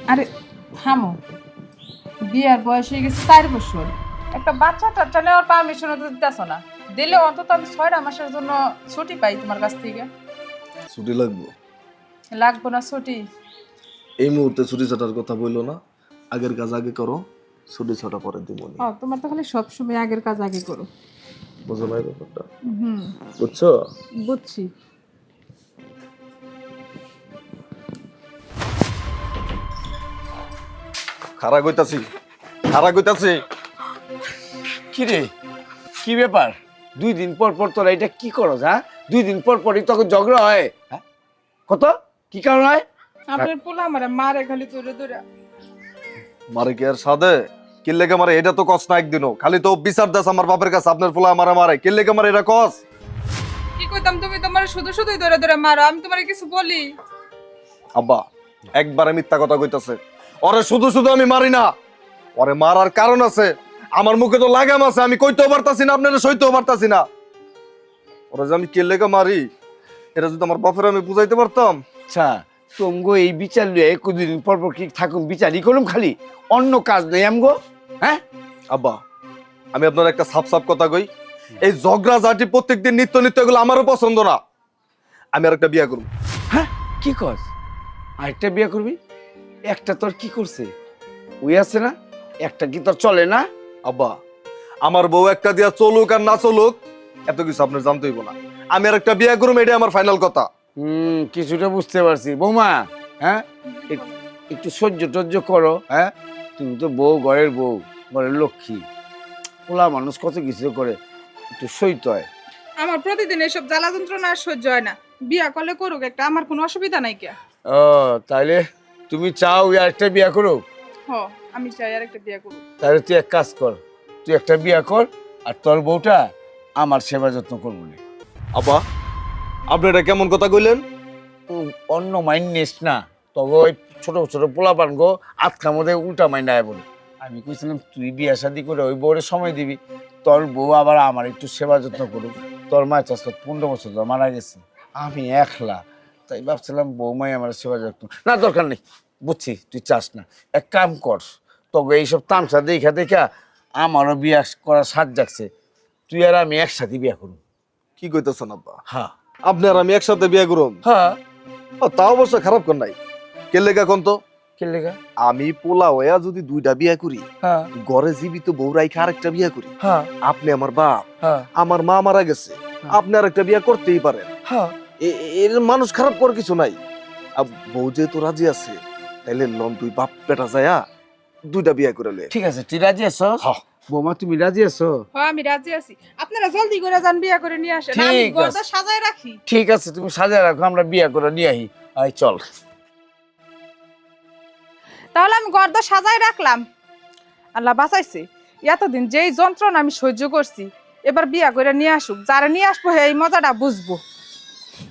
আরে থামো, বিয়ার বয়স হয়ে গেছে 4 বছর, একটা বাচ্চা টাচ্চা নেওয়ার পারমিশন তো দিতেছ না। দিলে অন্তত আমি 6 মাসের জন্য ছুটি পাই তোমার কাছ থেকে। ছুটি লাগবো? লাগবো না ছুটি? এই মুহূর্তে ছুটি ছাটার কথা বললো না, আগের কাজ আগে করো, ছুটি ছাটা পরে দিব নি। তোমার তো খালি সবসময় আগের কাজ আগে করো। বুঝো নাই ব্যাপারটা? হুম, বুঝছো? বুঝছি। খারা কইতাছি, খারা কইতাছি। কি রে, কি ব্যাপার? 2 দিন পর পর তোরা এটা কি করো? হ্যাঁ, 2 দিন পর পরই তখন ঝগড়া হয়। হ্যাঁ, কত কি কারণ হয়? আপনার পোলা আমারে মারে খালি দূরে দূরে। মারে কি আর সাদে? কিল্লেকে মারে এটা তো কস না একদিনও, খালি তো বিচার দাস আমার বাপের কাছে আপনার ফুলা মারা মারে। কিল্লেকে মারে এটা কস? কি কইতাম, তুমি তোমার শুধু শুধুই দূরে দূরে মারো, আমি তোমারে কিছু বলি? আব্বা একবারে মিথ্যা কথা কইতাছে। ওরে শুধু শুধু আমি মারি না, ওরে মারার কারণ আছে। আমার মুখে তো লাগাম আছে, আমি কইতেও পারতাছি না, আপনারা সইতেও পারতাছি না। ওরে যে আমি কিল্লেকে মারি, এটা যদি আমার বাপের আমি বুঝাইতে পারতাম। আচ্ছা, তোমগো এই বিচার লিয়ে 2 দিন পর পর কি থাকুন বিচারই করুম খালি, অন্য কাজ নেই আমগো? হ্যাঁ আব্বা আমি আপনার একটা সাপ সাপ কথা কই, এই ঝগড়া ঝাঁটি প্রত্যেকদিন নিত্য নিত্য এগুলো আমারও পছন্দ না। আমি আর একটা বিয়া করব। হ্যাঁ, কি কস? আরেকটা বিয়ে করবি? একটা তোর কি করছে? ওই আছে না, একটা কি তোর চলে না? আব্বা আমার বউ একটা দিয়া চলুক আর না চলুক এত কিছু আপনার জানতে হইব না। আমি আর একটা বিয়া করব, এটাই আমার ফাইনাল কথা। কিছুটা বুঝতে পারছি বৌমা। হ্যাঁ, একটু সহ্য টহ্য করো। হ্যাঁ, তুমি তো বউ, ঘরের বউ, ঘরের লক্ষ্মী। পোলা মানুষ কত কিছু করে, একটু সইতে হয়। আমার প্রতিদিন এসব জ্বালা যন্ত্রণা আর সহ্য হয় না, বিয়া করলে করুক একটা, আমার কোনো অসুবিধা নাই কে। ও তাইলে তুমি চাও ওই আরেকটা বিয়া করো? হ, আমি চাই আর একটা বিয়া করুক। তাহলে তুই এক কাজ কর, তুই একটা বিয়া কর, আর তোর বউটা আমার সেবা যত্ন করবো না। আব্বা আপনি এটা কেমন কথা কইলেন? অন্য মাইন্ড নিস না, তবে ওই ছোট ছোট পোলাপান গো আতখার মধ্যে উল্টা মাইন্ড আয় বলে। আমি কইছিলাম তুই বিয়া শাদি করে ওই বউরে সময় দিবি, তোর বউ আবার আমার একটু সেবা যত্ন করুক। তোর মায়ের চাষ 15 বছর ধরে মারা গেছে, আমি একলা, তাই ভাবছিলাম বৌমাই আমার সেবা যত্ন। না দরকার নেই, বুঝছি তুই চাস না। এক কাম কর, তবে এইসব তামসা দেখা দেখা আমারও বিয়া করার স্বাদ জাগছে, তুই আর আমি একসাথে বিয়া করুন। কি কইতেছেন আব্বা? হ্যাঁ আপনি আর আমি একসাথে বিয়া করুম? হ্যাঁ। তা অবশ্য খারাপ কর নাই। কে লেগা কোন তো? কে লেগা? আমি পোলা হইয়া যদি 2টা বিয়া করি, হ্যাঁ ঘরে জীবিত বউ রাইখা আরেকটা বিয়া করি, হ্যাঁ আপনি আমার বাপ, হ্যাঁ আমার মা মারা গেছে, আপনি আর একটা বিয়া করতেই পারেন। হ্যাঁ। এর মানুষ খারাপ করার কিছু নাই। বউ যেহেতু রাজি আছে, তাইলে লন দুই বাপ বেটা যায়া 2টা বিয়া করে লয়ে। ঠিক আছে, তুই রাজি আছো? বৌমা তুমি রাজি আছো? হ্যাঁ আমি রাজি আছি, আপনারা জলদি করে যান, বিয়া করে নিয়ে আসেন, আমি ঠিক ঘরটা আছে। সাজায় রাখি। ঠিক আছে, তুমি সাজায় রাখো, আমরা বিয়া করে নিয়ে আহি। আয় চল। তাহলে আমি ঘরটা সাজায় রাখলাম। আল্লাহ বাঁচাইছে, এতদিন যেই যন্ত্রণা আমি সহ্য করছি, এবার বিয়া করে নিয়ে আসুক, যারা নিয়ে আসবো এই মজাটা বুঝবো।